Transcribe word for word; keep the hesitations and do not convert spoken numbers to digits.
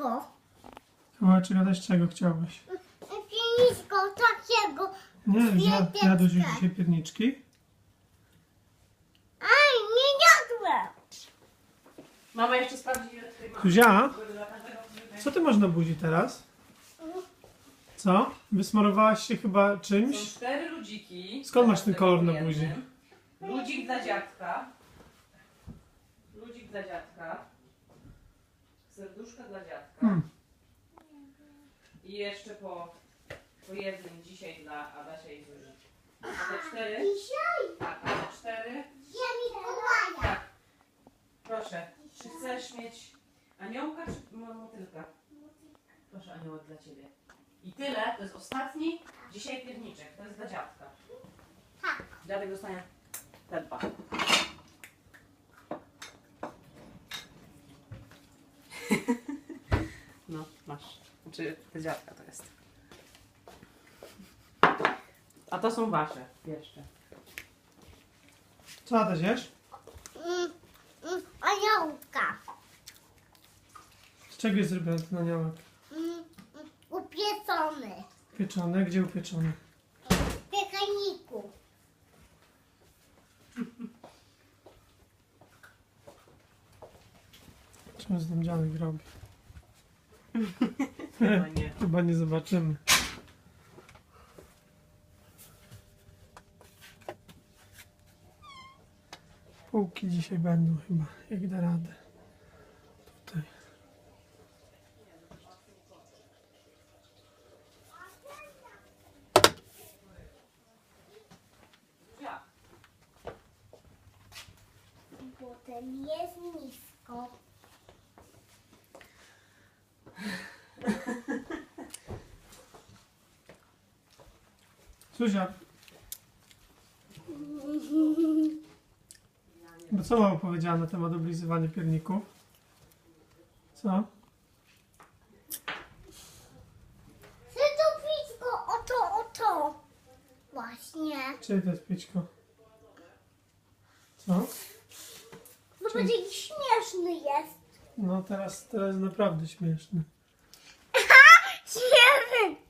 Kawałeczko. Kawałeczek, ale z czego chciałbyś? Pienisko takiego. Nie, ja, Kwiateczka. jadłeś już dzisiaj pierniczki? Aj, nie jadłem. Mama jeszcze sprawdzi, ile tutaj ma. Zuzia, co ty masz na buzi teraz? Co? Wysmarowałaś się chyba Są czymś? cztery ludziki. Skąd masz ten kolor na Jednym. buzi? Ludzik dla dziadka. Ludzik dla dziadka. Serduszka dla dziadka. Hmm. I jeszcze po, po jednym dzisiaj dla Adasia i Zuzi. A te cztery? Dzisiaj Tak, a te cztery? ja Mikołaja. Tak. Proszę, czy chcesz mieć aniołka czy mo- motylka? Proszę, aniołek dla ciebie. I tyle, to jest ostatni dzisiaj pierniczek. To jest dla dziadka. Tak. Dziadek dostanie te dwa. No, masz. Znaczy, to dziadka to jest. A to są wasze jeszcze. Co Adaś jesz? Mm, mm, aniołka. Z czego jest zrobiony ten aniołek? Mm, mm, upiecony. Pieczony? Gdzie upieczony? W piekaniku. Czemu z tym dziadek robi? Chyba nie. Chyba nie zobaczymy. Półki dzisiaj będą chyba, jak da radę. Tutaj. Ja. Potem jest nisko. Zuzia. Bo co mama powiedziała na temat oblizywania pierników? Co? Chcę to pićko, oto, oto. Właśnie. Czyje to jest pićko? Co? No będzie jakiś śmieszny jest. No teraz, teraz naprawdę śmieszny. Śmieszny.